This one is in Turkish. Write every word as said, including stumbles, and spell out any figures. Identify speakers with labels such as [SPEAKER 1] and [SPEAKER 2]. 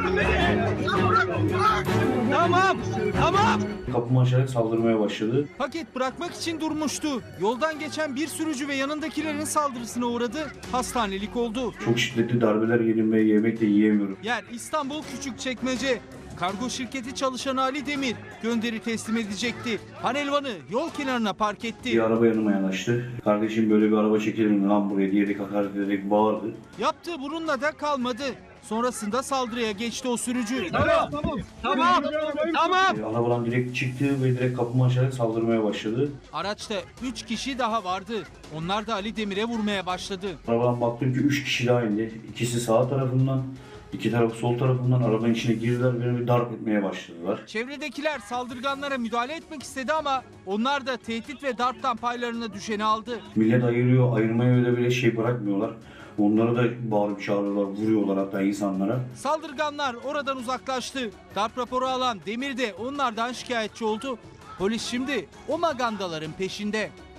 [SPEAKER 1] Tamam, tamam.
[SPEAKER 2] Kapımı açarak saldırmaya başladı.
[SPEAKER 1] Paket bırakmak için durmuştu. Yoldan geçen bir sürücü ve yanındakilerin saldırısına uğradı. Hastanelik oldu.
[SPEAKER 2] Çok şiddetli darbeler yedim ve yemek de yiyemiyorum.
[SPEAKER 1] Yer İstanbul Küçükçekmece. Kargo şirketi çalışanı Ali Demir gönderi teslim edecekti. Panelvanı yol kenarına park etti.
[SPEAKER 2] Bir araba yanıma yanaştı. Kardeşim böyle bir araba çekilir mi lan buraya diyerek hakaret ederek bağırdı.
[SPEAKER 1] Yaptığı bununla da kalmadı. Sonrasında saldırıya geçti o sürücü. Tamam, tamam, tamam, tamam.
[SPEAKER 2] E, arabadan direkt çıktı ve direkt kapımı açarak saldırmaya başladı.
[SPEAKER 1] Araçta üç kişi daha vardı. Onlar da Ali Demir'e vurmaya başladı.
[SPEAKER 2] Arabadan baktım ki üç kişi daha indi. İkisi sağ tarafından, iki tarafı sol tarafından arabanın içine girdiler. Beni bir darp etmeye başladılar.
[SPEAKER 1] Çevredekiler saldırganlara müdahale etmek istedi ama onlar da tehdit ve darptan paylarına düşeni aldı.
[SPEAKER 2] Millet ayırıyor, ayırmaya öyle bile şey bırakmıyorlar. Onları da bağırıp çağırıyorlar, vuruyorlar hatta insanlara.
[SPEAKER 1] Saldırganlar oradan uzaklaştı. Darp raporu alan Demir de onlardan şikayetçi oldu. Polis şimdi o magandaların peşinde.